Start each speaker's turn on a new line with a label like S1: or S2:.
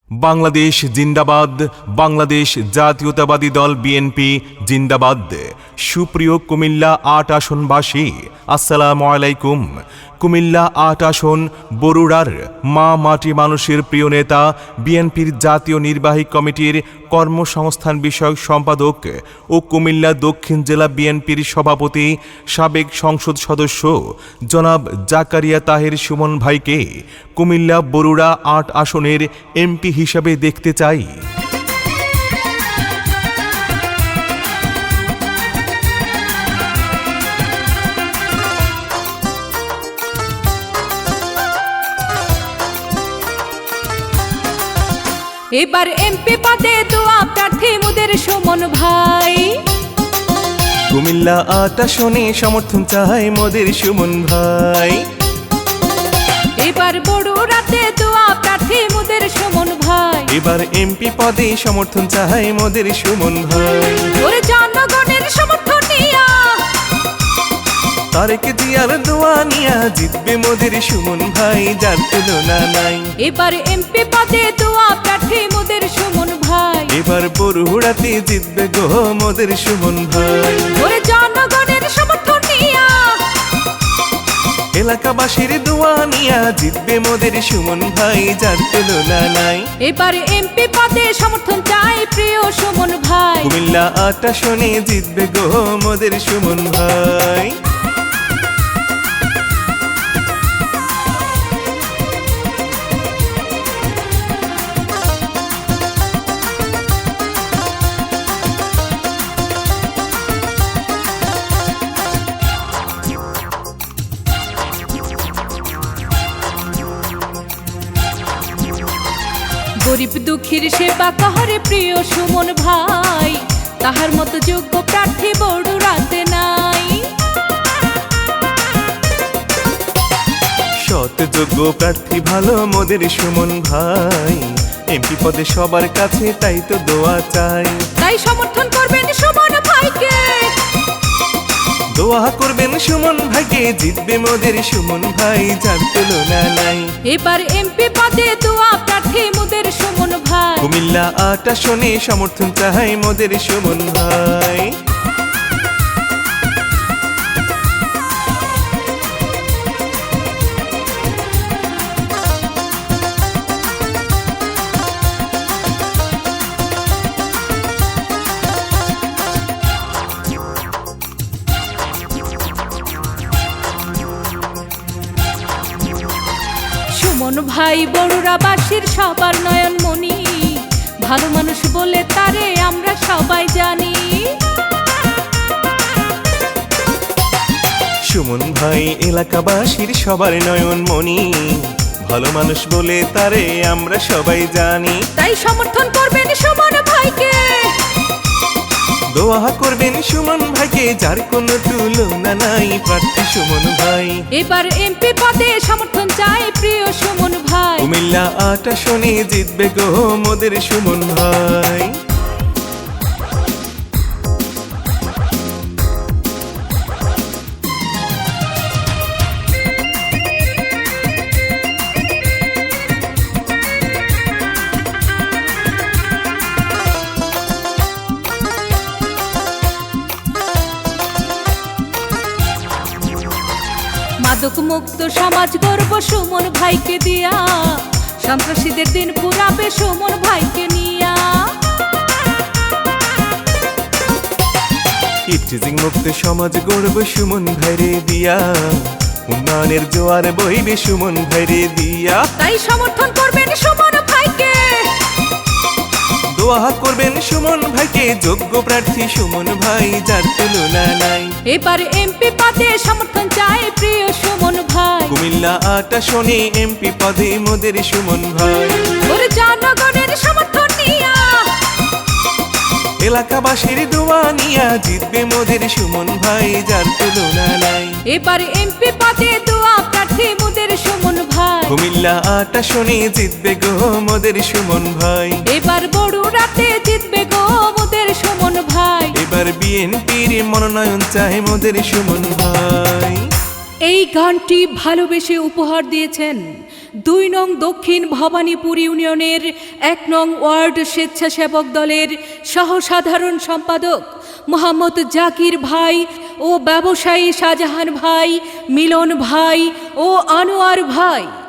S1: বাংলাদেশ জিন্দাবাদ। বাংলাদেশ জাতীয়তাবাদী দল বিএনপি জিন্দাবাদ। সুপ্রিয় কুমিল্লা ৮ আসনবাসী, আসসালামু আলাইকুম। কুমিল্লা ৮ আসন বরুড়ার মা মাটি মানুষের প্রিয় নেতা, বিএনপির জাতীয় নির্বাহী কমিটির কর্মসংস্থান বিষয়ক সম্পাদক ও কুমিল্লা দক্ষিণ জেলা বিএনপির সভাপতি, সাবেক সংসদ সদস্য জনাব জাকারিয়া তাহের সুমন ভাইকে কুমিল্লা বরুড়া ৮ আসনের এমপি হিসাবে দেখতে চাই।
S2: এবার এমপি পদে দোয়া প্রার্থী মোদের সুমন ভাই।
S1: কুমিল্লা ৮ আসনে সমর্থন চাই মোদের সুমন ভাই।
S2: এবার বড়ুরাতে দোয়া প্রার্থী মোদের সুমন ভাই।
S1: এবার এমপি পদে সমর্থন চাই মোদের সুমন ভাই।
S2: ওরে জনগণের সমর্থন নিয়া,
S1: তারেক জিয়ার দোয়া নিয়া জিতবে মোদের সুমন ভাই, যার তুলনা নাই।
S2: এবার এমপি পদে দোয়া প্রার্থী মোদের সুমন ভাই।
S1: এবার বরুড়াতে জিতবে গো মোদের সুমন ভাই।
S2: ওরে জনগণের সমর্থন নিয়া,
S1: এলাকাবাসীর দোয়া নিয়া জিতবে মোদের সুমন ভাই, যার তুলনা নাই।
S2: এবার এমপি পদে সমর্থন চাই প্রিয় সুমন ভাই।
S1: কুমিল্লা ৮ আসনে জিতবে গো মোদের সুমন ভাই।
S2: গরিব দুঃখীর সেবা কহরে প্রিয় সুমন ভাই, তাহার মতো যোগ্য প্রার্থী বড়ুরাতে নাই।
S1: সৎ যোগ্য প্রার্থী ভালো মোদের সুমন ভাই, এমপি পদে সবার কাছে তাই তো দোয়া চাই।
S2: তাই সমর্থন করবেন সুমন ভাইকে,
S1: দোয়া করবেন সুমন ভাইকে, জিতবে মোদের সুমন ভাই, যার তুলনা নাই।
S2: এবার এমপি পদে দোয়া প্রার্থী মোদের সুমন ভাই।
S1: কুমিল্লা ৮ আসনে সমর্থন চাই মোদের সুমন ভাই।
S2: সুমন ভাই বড়ুরাবাসীর সবার নয়নমণি, ভালো মানুষ বলে তারে আমরা সবাই জানি।
S1: সুমন ভাই এলাকাবাসীর সবার নয়নমণি, ভালো মানুষ বলে তারে আমরা সবাই জানি।
S2: তাই সমর্থন করবেন সুমন ভাইকে,
S1: দোয়া করবেন সুমন ভাইকে, যার কোনো তুলনা নাই, প্রার্থী সুমন ভাই।
S2: এবার এমপি পদে সমর্থন চাই প্রিয় সুমন ভাই।
S1: কুমিল্লা ৮ আসনে জিতবে গো মোদের সুমন ভাই।
S2: মাদক মুক্ত সমাজ গর্ব সুমন ভাইকে দিয়া, সন্ত্রাসীদের দিন পুরাবে সুমন ভাইকে নিয়া।
S1: ইফটিজিং মুক্ত সমাজ গড়ব সুমন ভাইরে দিয়া, উন্নয়নের জোয়ার বইবে সুমন ভাইরে দিয়া।
S2: তাই সমর্থন করবেন সুমন ভাইকে,
S1: দোয়া করবেন সুমন ভাইকে, যোগ্য প্রার্থী সুমন ভাই, যার তুলনা নাই।
S2: এবার এমপি পদে সমর্থন চাই প্রিয় সুমন ভাই।
S1: কুমিল্লা ৮ আসনে এমপি পদে মোদের সুমন ভাই।
S2: ওরে জনগণের সমর্থন নিয়া,
S1: এলাকাবাসীর দোয়া নিয়া জিতবে মোদের সুমন ভাই, যার তুলনা নাই।
S2: এবার এমপি পদে দোয়া প্রার্থী মোদের সুমন ভাই।
S1: কুমিল্লা ৮ আসনে জিতবে গো মোদের সুমন ভাই।
S2: এবার বড়ুরাতে জিতবে গো মোদের সুমন ভাই।
S1: এবার বিএনপির মনোনয়ন চাই মোদের সুমন ভাই।
S2: এই গানটি ভালোবেসে উপহার দিয়েছেন 2 নং দক্ষিণ ভবানীপুর ইউনিয়নের 1 নং ওয়ার্ড স্বেচ্ছাসেবক দলের সহসাধারণ সম্পাদক মোহাম্মদ জাকির ভাই ও ব্যবসায়ী শাহজাহান ভাই, মিলন ভাই ও আনোয়ার ভাই।